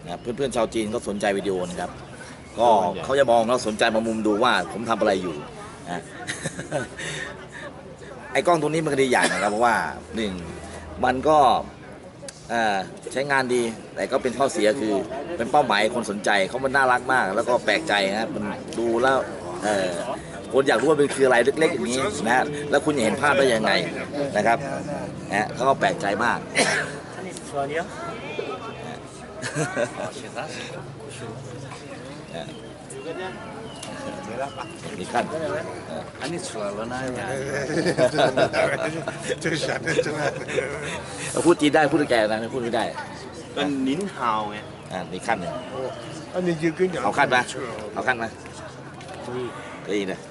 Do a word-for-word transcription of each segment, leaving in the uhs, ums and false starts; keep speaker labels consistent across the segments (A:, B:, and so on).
A: นะเพื่อนๆชาวจีนก็สนใจวิดีโอนะครับก็เขาจะมองแล้วสนใจมามุมดูว่าผมทำอะไรอยู่นะ ไอ้กล้องตัวนี้มันก็ดีอย่างนะครับเพราะว่าหนึ่งมันก็ใช้งานดีแต่ก็เป็นข้อเสียคือเป็นเป้าหมายคนสนใจเขามันน่ารักมากแล้วก็แปลกใจนะมันดูแล้วคนอยากรู้ว่าเป็นคืออะไรเล็กๆอย่างนี้นะแล้วคุณจะเห็นภาพได้ยังไงนะครับนะเขาก็แปลกใจมาก你看，啊，你出来了呢？
B: 这个显得真的。
A: พูดจีนได้พูดแก่นะพูดไม่ได้
C: เป็นนิ้นฮาวไง
A: อ่านี่ขั้นหนึ่ง
B: 啊，你就跟讲。
A: เอาขั้นไหมเอาขั้นไหม可以的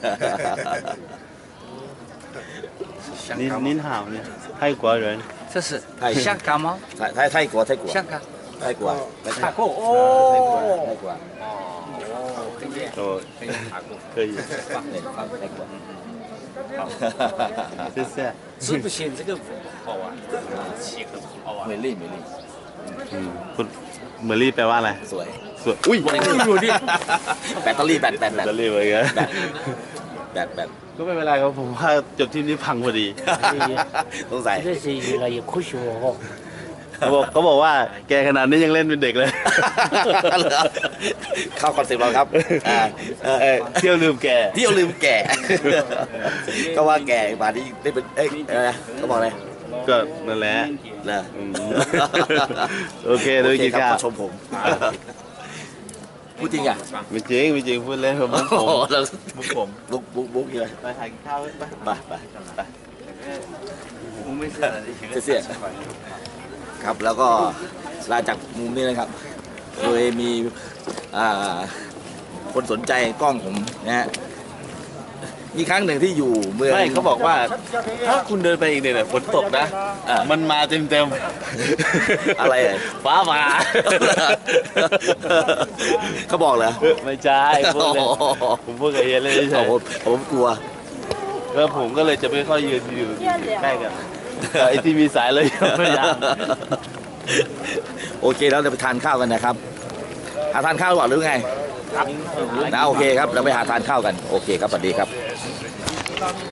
C: นิ้นนิ้นฮาวเนี่ยไทยกว่า人
D: 这是香港吗？
A: 泰泰泰国泰国
D: 香港。
A: 泰国
D: 泰国哦。
A: 泰国
C: โอ้可以
A: 对泰国
C: 谢谢
D: 是不是这个好玩？七个好玩。
A: 美丽美丽
C: อืมคุณเมอรี่แปลว่าอะไร
A: สวย
C: สวยอุ้ย
A: แบตเตอรี่แบตแบตแบต
C: จะเรียกว่าไง
A: แบตแบต
C: ก็ไม่เป็นไรครับผมว่าจบที่นี้พังพอดี
A: สงสัย
D: 这是越来越科学哦。
C: เขาบอกเขาบอกว่าแกขนาดนี้ยังเล่นเป็นเด็กเลย
A: เข้าคอนเซ็ปต์เราครับ
C: เที่ยวลืมแก
A: เที่ยวลืมแก่ก็ว่าแก่มาที่ได้เป็นเอ้ยเขาบอกอะไร
C: ก็นั่นแหละ
A: นะ
C: โอเคดูกินข้าว
A: ชมผมพูดจริงอ่ะ
C: ไม่จริงไม่จริงพูดเล่นผมผมมุกผม
A: บุกบุกบุกเลย
C: ไปถ่ายข้าวไป
A: ไปไปไปเสียครับแล้วก็ลาจากมุมนี้นะครับโดยมีคนสนใจกล้องผมนะฮะมีครั้งหนึ่งที่อยู่เมือง
C: ไม่เขาบอกว่าถ้าคุณเดินไปอีกเนี่ยฝนตกนะมันมาเต็มเต็ม
A: อะไร
C: ฟ้าผ่า
A: เขาบอกเหรอ
C: ไม่ใช่ผมพูดกับเฮียเลยใช่
A: ผมผมกลัว
C: แล้วผมก็เลยจะไม่ค่อยยืนอยู่ใกล้กันไอ้ที่มีสายเลยพยายาม
A: โอเคแล้วเราไปทานข้าวกันนะครับหาทานข้าวก่อนหรือไงนะโอเคครับเราไปหาทานข้าวกันโอเคครับสวัสดีครับ